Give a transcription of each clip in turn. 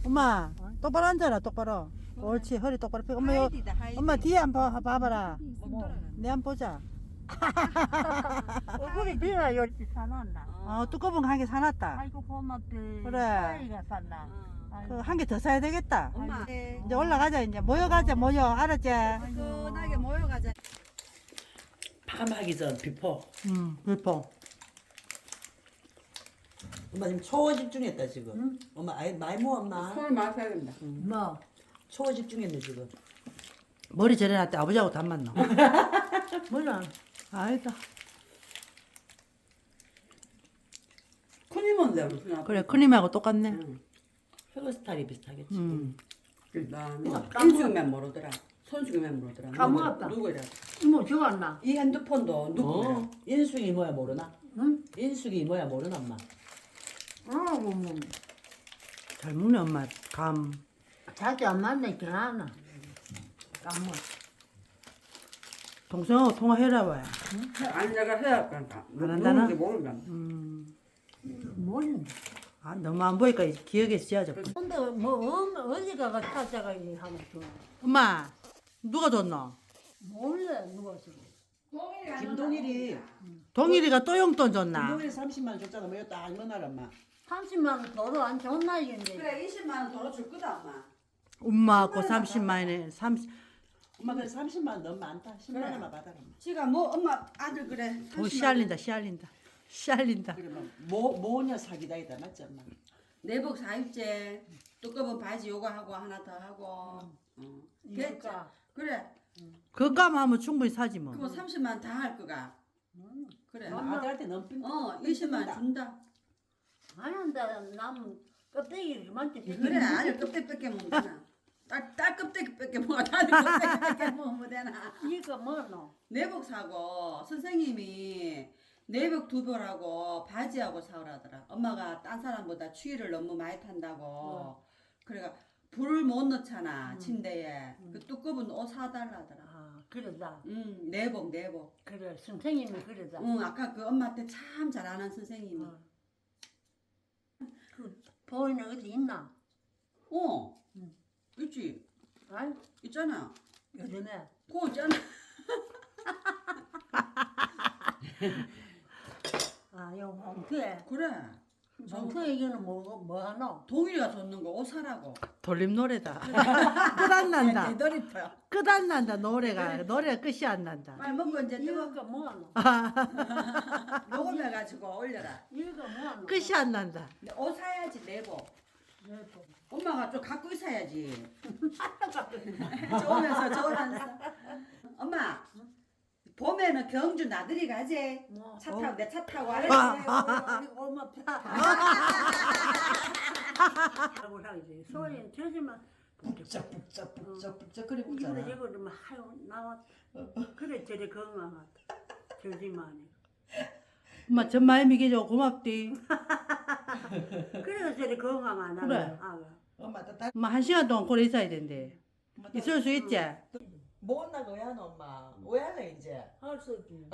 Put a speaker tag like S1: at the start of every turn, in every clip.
S1: 엄마 똑바로 앉아라 똑바로. 옳지 허리 똑바로 펴. 엄마 요, 엄마 뒤에 한번 봐봐라. 내 한번 보자.
S2: 얼굴이 네가 열지 사놨나?
S1: 두꺼운 거 한 개 사놨다.
S2: 아이고 고맙대.
S1: 그래.
S2: 사이가 샀나?
S1: 그 한 개 더 사야 되겠다.
S3: 엄마
S1: 이제 올라가자 이제 모여가자 모여 알았지?
S3: 뜨끈하게 모여가자.
S4: 밤하기 전 비포.
S1: 불포.
S4: 엄마 지금 초어 집중했다 지금. 엄마 아이 많이 모아 엄마.
S3: 손을 마셔야 된다.
S2: 뭐?
S4: 초어 집중했네 지금.
S1: 머리 저래놨대 아버지하고 닮았노.
S2: 몰라.
S1: 아니다.
S3: 큰이몬데 무슨
S1: 그래 큰님하고 똑같네.
S4: 헤어 스타일이 비슷하겠지.
S3: 인숙이면 모르더라. 손숙이면 모르더라.
S2: 까먹었다.
S3: 누구야?
S2: 이모 죽었나?
S3: 이 핸드폰도 누구야?
S4: 인숙이 이모야 모르나?
S2: 응?
S4: 인숙이 이모야 모르나 엄마?
S2: 뭐.
S1: 잘 먹네 엄마 감.
S2: 자주 안 만나 결하나? 까먹어.
S1: 동생하고 통화해라 봐요.
S3: 아니 내가 해야 할까?
S1: 안 한다나?
S3: 누군지 모른다.
S2: 모르는.
S1: 아 너무 안 보니까 기억에 씌어져.
S2: 근데 뭐 어디 가가 찾아가 이 하면 줘.
S1: 엄마 누가 줬노?
S2: 몰라 누가 줘.
S4: 김동일이
S1: 동일이가 또 용돈 줬나?
S4: 김동일이 30만 원 줬잖아. 뭐 이것도 안 만나라 엄마.
S2: 30만 원 도로 안 줬나 이건데.
S3: 그래 20만 원 도로 줄 거다 엄마.
S1: 엄마하고 30만 원에 30.
S4: 엄마 그래 30만 원 너무 많다. 10만 원만 받아라 엄마.
S3: 지가 뭐 엄마 아들 그래.
S1: 씨알린다 씨알린다 씨알린다.
S4: 그래 뭐 모녀 사기다이다 맞지 엄마?
S3: 내복 4일째 두꺼운 바지 요거 하고 하나 더 하고.
S2: 이거가.
S3: 그래.
S1: 그값 하면 충분히 사지 뭐.
S3: 그거 30만 원 다 할 거가. 그래.
S4: 아들한테 너무 삥.
S3: 20만 원 준다.
S2: 안 한다. 남 껍데기 그만치.
S3: 그래 아들 껍데기밖에 못 되나. 딸 껍데기밖에 못 아들 껍데기밖에 못 되나.
S2: 이거 뭐노?
S3: 내복 사고 선생님이 내복 2벌하고 바지하고 사오라더라. 엄마가 딴 사람보다 추위를 너무 많이 탄다고. 그래가 불을 못 넣잖아 침대에. 그 두꺼운 옷 사달라더라.
S2: 아 그러다.
S3: 내복.
S2: 그래 선생님이 그러다.
S3: 아까 그 엄마한테 참 잘 아는 선생님이.
S2: 그 보이는 어디 있나?
S3: 있지.
S2: 아이
S3: 있잖아.
S2: 요즘에
S3: 그거 있잖아.
S2: 아요 홍투에
S3: 그래.
S2: 홍투에 이거는 뭐 하노?
S3: 동일이가 줬는 거 옷 사라고.
S1: 돌림 노래다. 끝 안 난다.
S3: 대더리퍼.
S1: 끝 안 난다 노래가. 노래가 끝이 안 난다.
S3: 빨리 먹고 이제 뜨거.
S2: 이거가 뭐 하노?
S3: 녹음해가지고 올려라.
S2: 이거가 뭐 하노?
S1: 끝이 안 난다.
S3: 옷 사야지 내복.
S2: 내고.
S3: 엄마가 좀 갖고 있어야지. 좋으면서 좋으면서. 엄마 봄에는 경주 나들이 가지.
S2: 뭐?
S3: 차 타고 내 차 타고 알았지.
S2: 우리 엄마 파. 하고 하지. 소리는 저지만
S4: 북적북적 그래
S2: 이거
S4: 붙잖아.
S2: 이거 좀 하요 나왔. 그래 저리 건강하다. 저지만이.
S1: 엄마 전 많이 미겨줘 고맙디.
S2: 그래서 저리 건강하다.
S1: 그래.
S4: 엄마 또 다.
S1: 엄마 1시간 동안 거기 있어야 된대. 있을 수 있지?
S4: 뭐 온다고 왜 하노 엄마? 왜 할래 이제?
S2: 할 수 있지.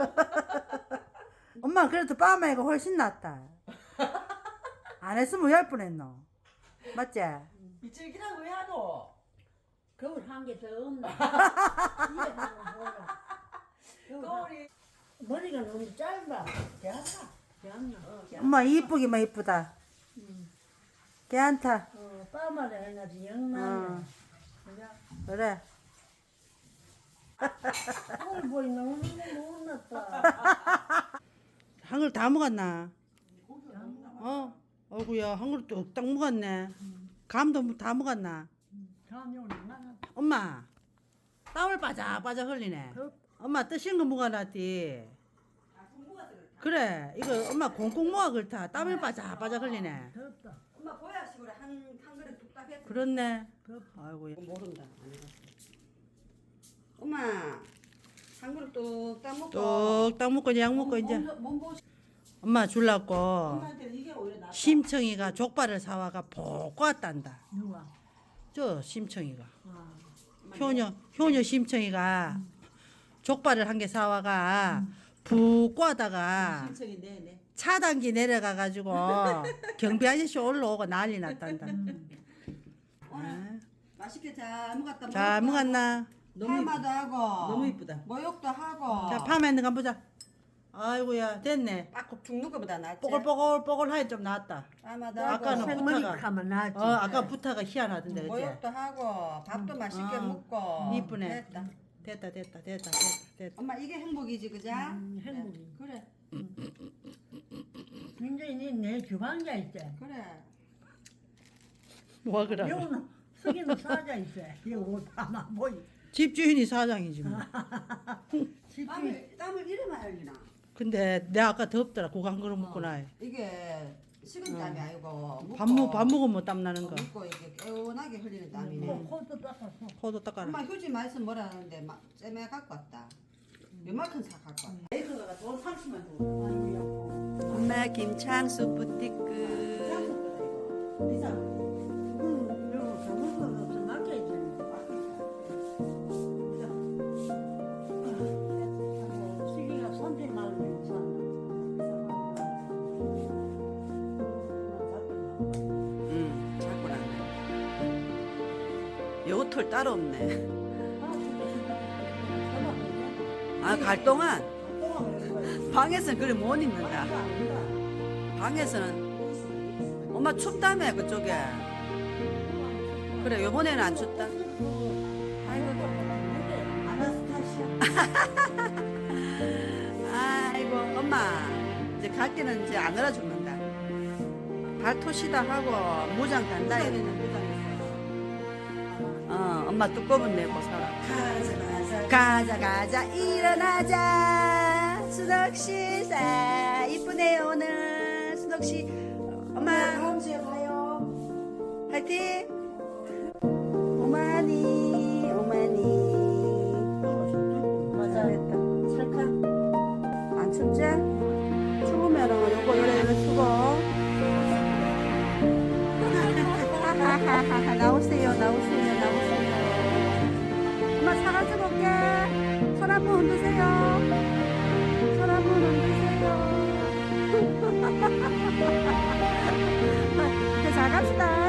S1: 엄마 그래도 빠마이가 훨씬 낫다. 안 했으면 열 뻔했노. 맞지?
S4: 미칠기라고 왜 하노?
S2: 거울 한 개 더 없나? 이게 한번 보라.
S4: 거울이
S2: 머리가 너무 짧아.
S4: 괜찮다.
S2: 않나?
S1: 엄마 이쁘기만 이쁘다. 괜찮다.
S2: 빠마를 해가지고 영남이야.
S1: 그래.
S2: 오늘 보이 너무 못났다.
S1: 한 그릇 다 먹었나? 어구야 한 그릇 뚝딱 먹었네. 감도 다 먹었나?
S2: 다음에 오늘 나가.
S1: 엄마 땀을 빠작빠작 흘리네. 엄마 뜨신 거 먹어놨디. 그래 이거 엄마 콩콩 모아 그렇다. 땀을 빠작빠작 흘리네.
S2: 덥다.
S3: 엄마 보약식으로 한 그릇 뚝딱 했어.
S1: 그렇네. 아이고
S3: 모른다. 엄마 한 그릇 뚝딱 먹고.
S1: 뚝딱 먹고 이제 약 먹고 이제
S3: 몸보시.
S1: 엄마 줄라고
S4: 엄마한테는 이게 오히려 낫다.
S1: 심청이가 족발을 사와가 볶고 왔단다.
S2: 누가?
S1: 저 심청이가
S2: 아,
S1: 효녀 심청이가 족발을 한 개 사와가 붓고 하다가
S4: 신청이 네네.
S1: 차단기 내려가 가지고 경비 아저씨 올라오고 난리 났단다.
S3: 오늘 맛있게 잘 먹었다.
S1: 잘 먹었나?
S3: 파마도 하고.
S4: 너무 이쁘다.
S3: 모욕도 하고.
S1: 자, 파마 있는 거 한번 보자. 아이고야, 됐네.
S3: 빡 죽는 거보다 낫지.
S1: 뽀글뽀글뽀글하니 좀 나았다.
S3: 파마도 하고.
S1: 아까는
S2: 생머리
S1: 부타가.
S2: 하면 나지.
S1: 아까 부타가 희한하던데, 그치?
S3: 모욕도 하고 밥도 맛있게 먹고.
S1: 이쁘네.
S3: 됐다.
S1: 됐다.
S3: 엄마 이게 행복이지 그자?
S2: 행복이.
S3: 그래
S2: 민정이 내 주방자 있어.
S3: 그래.
S1: 뭐 그래?
S2: 여우는 석이는 사자 있어. 여우 아마 보이.
S1: 집주인이 사장이지 뭐.
S3: 땀을 이래만 흘리나?
S1: 근데 내가 아까 덥더라. 고간 그릇 먹고 나.
S3: 이게 식은 땀이 아니고
S1: 밥 먹으면 땀 나는 거.
S3: 묻고 이렇게 개운하게 흘리는 땀이네.
S2: 코도 닦았어.
S1: 코도 닦아라.
S3: 엄마 휴지 말씀 뭐라 하는데 막 쨈매 갖고 왔다. 요만큼 사 갖고 왔다.
S1: 메이커가 돈 30만 줘.
S3: 엄마 김창수 부티크.
S1: 이상.
S2: 여우 잡을 거 없어 맡겨야지. 수기가 선택 나오면 사.
S3: 자꾸 나네. 요털 따로 없네. 아, 갈 동안 방에서는 그래 못 입는다. 방에서는 엄마 춥다며 그쪽에. 그래 요번에는 안 춥다. 아이고 엄마 이제 갈 때는 이제 안 얼어 죽는다. 발토시다 하고 무장 간다. 엄마 두꺼운 내고 살아. 가자 일어나자. 수덕씨 사 이쁘네요 오늘. 수덕씨 엄마 다음 주에 봐요. 화이팅. 오마니 맞아 됐다. 찰칵 안 춥지? 추우면은 요거 요래 추고. 나오세요. 엄마 사가지고 올게. 손 한번 흔드세요. 이제 잘 갑시다.